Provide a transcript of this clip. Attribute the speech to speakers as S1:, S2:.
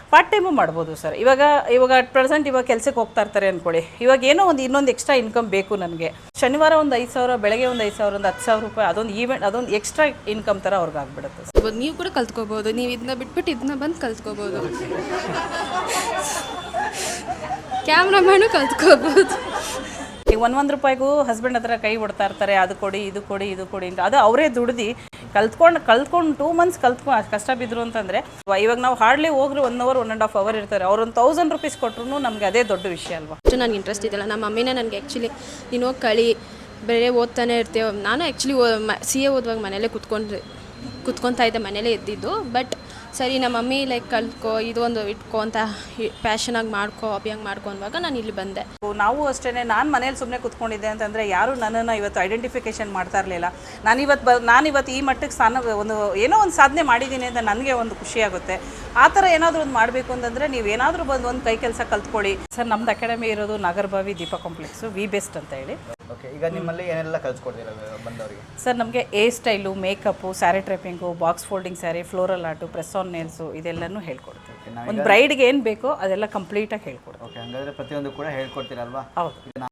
S1: Part time ಮಾಡ್ಬೋದು sir. ಇವಾಗ at present ಇವಾಗ ಕೆಲಸಕ್ಕೆ ಹೋಗ್ತಾ ಇರ್ತಾರೆ ಅಂದ್ಕೊಳ್ಳಿ, ಇವಾಗ ಏನೋ ಇನ್ನೊಂದು ಎಕ್ಸ್ಟ್ರಾ ಇನ್ಕಮ್ ಬೇಕು ನನಗೆ. ಶನಿವಾರ ಒಂದು 5,000, ಬೆಳಗ್ಗೆ ಒಂದು 5,000, ಒಂದು 10,000 ರೂಪಾಯಿ, ಅದೊಂದು ಈವೆಂಟ್, ಅದೊಂದು ಎಕ್ಸ್ಟ್ರಾ ಇನ್ಕಮ್ ಥರ ಅವ್ರಿಗೆ ಆಗ್ಬಿಡುತ್ತೆ ಸರ್.
S2: ನೀವು ಕೂಡ ಕಲ್ತ್ಕೋಬೋದು, ನೀವು ಇದನ್ನ ಬಿಟ್ಬಿಟ್ಟು ಇದನ್ನ ಬಂದು ಕಲ್ತ್ಕೋಬೋದು. ಕ್ಯಾಮ್ರಾಮ್ಯಾನು ಕಲ್ತ್ಕೋಬೋದು.
S1: ಈಗ ಒಂದು ರೂಪಾಯಿಗೂ ಹಸ್ಬೆಂಡ್ ಹತ್ರ ಕೈ ಹೊಡ್ತಾ ಇರ್ತಾರೆ, ಅದು ಕೊಡಿ ಇದು ಕೊಡಿ ಇದು ಕೊಡಿ ಅಂತ. ಅದು ಅವರೇ ದುಡ್ದು ಕಲ್ತ್ಕೊಂಡು 2 ಮಂತ್ಸ್ ಕಷ್ಟ ಬಿದ್ದರು ಅಂತಂದರೆ, ಇವಾಗ ನಾವು ಹಾರ್ಡ್ಲಿ ಹೋಗ್ರಿ 1 ಅವರ್ 1.5 ಅವರ್ ಇರ್ತಾರೆ, ಅವ್ರು ಒಂದು 1,000 ರೂಪೀಸ್ ಕೊಟ್ಟರು ನಮಗೆ ಅದೇ ದೊಡ್ಡ ವಿಷಯ ಅಲ್ವಾ.
S2: ಅಷ್ಟು ನನಗೆ ಇಂಟ್ರೆಸ್ಟ್ ಇದೆಯಲ್ಲ, ನಮ್ಮ ಮಮ್ಮಿನೇ ನನಗೆ ಆ್ಯಕ್ಚುಲಿ ನೀನು ಹೋಗಿ ಕಳಿ, ಬೇರೆ ಓದ್ತಾನೆ ಇರ್ತೇವೆ. ನಾನು ಆ್ಯಕ್ಚುಲಿ CA ಓದುವಾಗ ಮನೇಲೇ ಕುತ್ಕೊತಾ ಇದ್ದೆ, ಮನೇಲೇ ಇದ್ದಿದ್ದು. ಬಟ್ ಸರಿ ನಮ್ಮ ಮಮ್ಮಿ ಲೈಕ್ ಕಲ್ತ್ಕೋ, ಇದು ಒಂದು ಇಟ್ಕೋ ಅಂತ ಪ್ಯಾಷನಾಗಿ ಮಾಡ್ಕೋ, ಹಾಬಿಯಾಗಿ ಮಾಡ್ಕೊ ಅನ್ನುವಾಗ ನಾನು ಇಲ್ಲಿ ಬಂದೆ.
S1: ನಾವು ಅಷ್ಟೇ, ನಾನು ಮನೇಲಿ ಸುಮ್ಮನೆ ಕೂತ್ಕೊಂಡಿದ್ದೆ ಅಂತಂದರೆ ಯಾರು ನನ್ನನ್ನು ಇವತ್ತು ಐಡೆಂಟಿಫಿಕೇಷನ್ ಮಾಡ್ತಾ ಇರಲಿಲ್ಲ. ನಾನಿವತ್ತು ಈ ಮಟ್ಟಕ್ಕೆ ಏನೋ ಒಂದು ಸಾಧನೆ ಮಾಡಿದ್ದೀನಿ ಅಂತ ನನಗೆ ಒಂದು ಖುಷಿಯಾಗುತ್ತೆ. ಆ ಥರ ಏನಾದರೂ ಒಂದು ಮಾಡಬೇಕು ಅಂತಂದರೆ ನೀವು ಏನಾದರೂ ಬಂದು ಒಂದು ಕೈ ಕೆಲಸ ಕಲ್ತ್ಕೊಳ್ಳಿ ಸರ್. ನಮ್ಮದು ಅಕಾಡೆಮಿ ಇರೋದು Nagarbhavi Deepa complex, we best ಅಂತ ಹೇಳಿ.
S3: ಓಕೆ, ಈಗ ನಿಮ್ಮಲ್ಲಿ ಏನೆಲ್ಲ ಕಲ್ಸ್ಕೊಡ್ತೀರಾ ಬಂದವರಿಗೆ?
S1: ಸರ್ ನಮಗೆ hair style, makeup, sari draping, box folding sari, floral art, press on nails, ಇದೆಲ್ಲನೂ ಹೇಳ್ಕೊಡ್ತೀವಿ. ಒಂದು ಬ್ರೈಡ್ಗೆ ಏನು ಬೇಕೋ ಅದೆಲ್ಲ ಕಂಪ್ಲೀಟಾಗಿ ಹೇಳ್ಕೊಡ್ತೀವಿ.
S3: ಓಕೆ, ಹಾಗಾದರೆ ಪ್ರತಿಯೊಂದು ಕೂಡ ಹೇಳ್ಕೊಡ್ತೀರಲ್ವಾ?
S1: ಹೌದು.